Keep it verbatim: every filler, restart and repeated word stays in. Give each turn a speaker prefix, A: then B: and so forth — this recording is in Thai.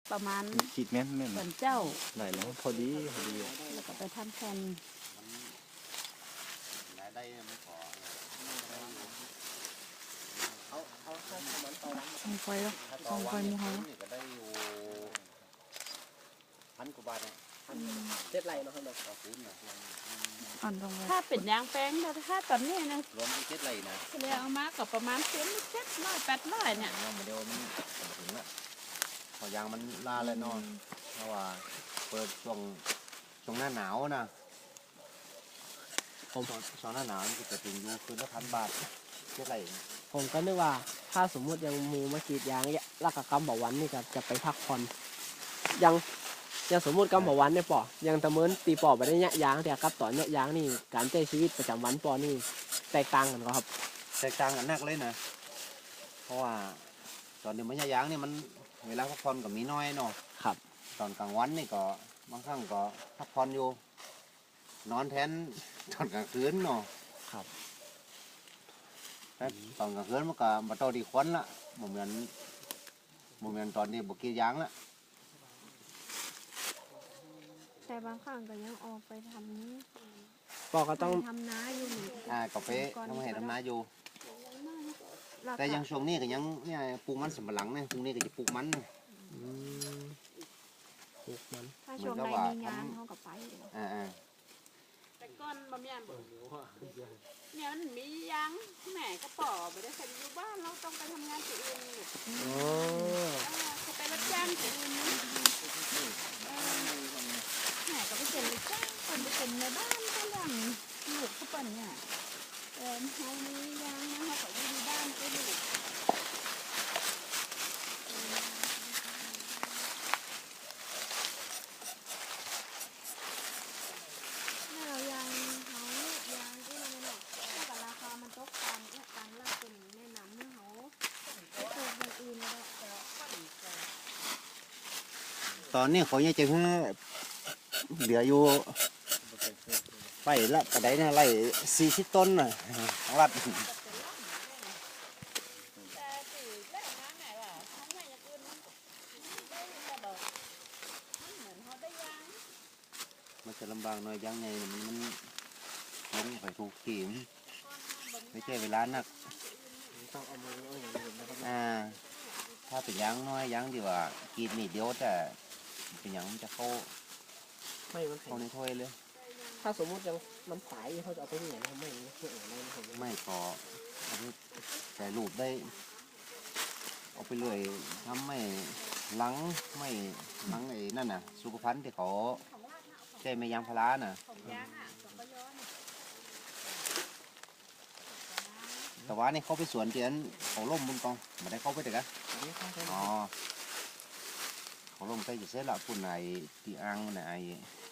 A: ประมาณ
B: ขีดแม่นแม่น
A: เหมือนเจ้า
B: ไหนแล้วพอดีพอดี
A: แล้วก็ไปทำแผ่น
C: ได้ไม่พอเอาเอาถ้ามันต่อวัน
A: ส่งไฟแล้วส่งไฟมูเฮา
C: ก็ได้อยู่พันกว่าบาทเนี่ย
D: เจ็ดไหลเนาะครับ
C: ต่อคูณนะ
A: อ่อนลงถ้าเป็นยางแป้งแต่ถ้าตอนนี้นะ
C: รวมเป็นเจ็ดไหลนะ
A: เรียเอามากับประมาณเส้นเจ็ดร้อยแปดร้อยเนี่ย
C: ยังไม่เดียวมันถึงละพอยางมันลาเลยเนาะเพราะว่าเปิดช่วงช่วงหน้าหนาวนะผมช่วงหน้าหนาวมันจะถึงอยู่คืนละพันบาทเจ็ดไหล
D: ผมก็นึกว่าถ้าสมมุติยังมูมากรีดยางเนี่ยรักกับกำบอกวันนี่ก็จะไปพักผ่อนยังยังสมมุติกำบอกวันเนี่ยปอยังตะเมินตีปอไปได้เนี่ยยางแต่กับต่อเนี่ยยางนี่การใช้ชีวิตประจำวันปอนี่แตกต่างกันครับ
C: แตกต่างกันนักเลยนะเพราะว่าตอนเดี๋ยวมันยางนี่มันเวลาพักผ่อนก็มีน้อยเนาะ
D: ครับ
C: ตอนกลางวันนี่ก็บางครั้งก็พักผ่อนอยู่นอนแทนตอนกลางคืนเนาะ
D: ครับ
C: แต่ตอนกลางคืนมันก็มาต่อดีควันละเหมือนเหมือนตอนนี้บกี้ยางละ
E: แต่บางครั้งก็ยังออกไปท
D: ปอก็ต้อง
E: ำทำนาอยู่นี่
C: อ่าก็ไปทำให้ทำนาอยู่
E: แล้ว
C: แต่
E: ก็
C: ยังช่วงนี้ก็ยังเนี่ยปลูกมันสำปะหลังเนี่ยพรุ่งนี้ก็จะปลูกมัน
D: อืมปลูกมัน
E: ถ้าช่วงใดมีงานเขาก็ไปอยู่
C: อ่าอ่า
A: แต่ก้อนบะเมียนเนี่ยมันมียางแหม่กระป๋อไปได้ใส่อยู่บ้านเราต้องไปทำงานที่อื่นลูก
D: อ๋อ
A: เขาไปรับจ้างที่อื่นนี่แหม่ก็ไปเป็นรับจ้างคนไปเป็นในบ้านก็ยังลูกเขาเป็นเนี่ยเออเขามียางนะเขาก็อยู่ในบ้านก็ลูก
E: แล้วยางเขายางที่มันหนักถ้ากับราคามันตกตามเนี่ยตามราคาเป็นแนะนำให้เขาไปปลูกอย่างอื่นแล้ว
C: ตอนนี้เขายังจะให้เหลืออยู่ไร่ละกระไดนะไร่สี่สิบต้นน่ะของรัฐ
A: แต่สื่อแรกนะแหม่ว่าทำไมอย่างอื่นมันได้แต่ดอกมันเหมือนเขาได้ยาง
C: มันจะลำบากหน่อยยังไงมันมันลงไปถูกขีมไม่ใช่เวลานัก
D: ต้องเอามือเอาอย่างอื่นนะครับ
C: อ่าถ้าเป็นยางน้อยยางดีกว่ากินนิดเดียวแต่เป็นยางมันจะเข้า
D: ไม่มันแข็
C: เข้างในถ้วยเลย
D: ถ้าสมมุติยังมันสายเขาจะเอาไปที่ไหนนะครับไม่ไม่เอะไรนะผม
C: ไม่พอเอาไปใส่รูปได้เอาไปเลยทำไม่หลังไม่หลังไอ้นั่นน่ะสุขภัณฑ์ที่เขาใช้ไม่ยางพาราน่ะ
A: ของยางอ่ะของกระยอน
C: แต่ว่านี่เขาไปสวนเจียนเขาล่มบนกองไม่ได้เข้าไปเด็กอะ
D: อันนี้เข้าไป
C: อ๋อเขาลงไปจะเสร็จละปุ่นไหนตีอ่างไหนไอ้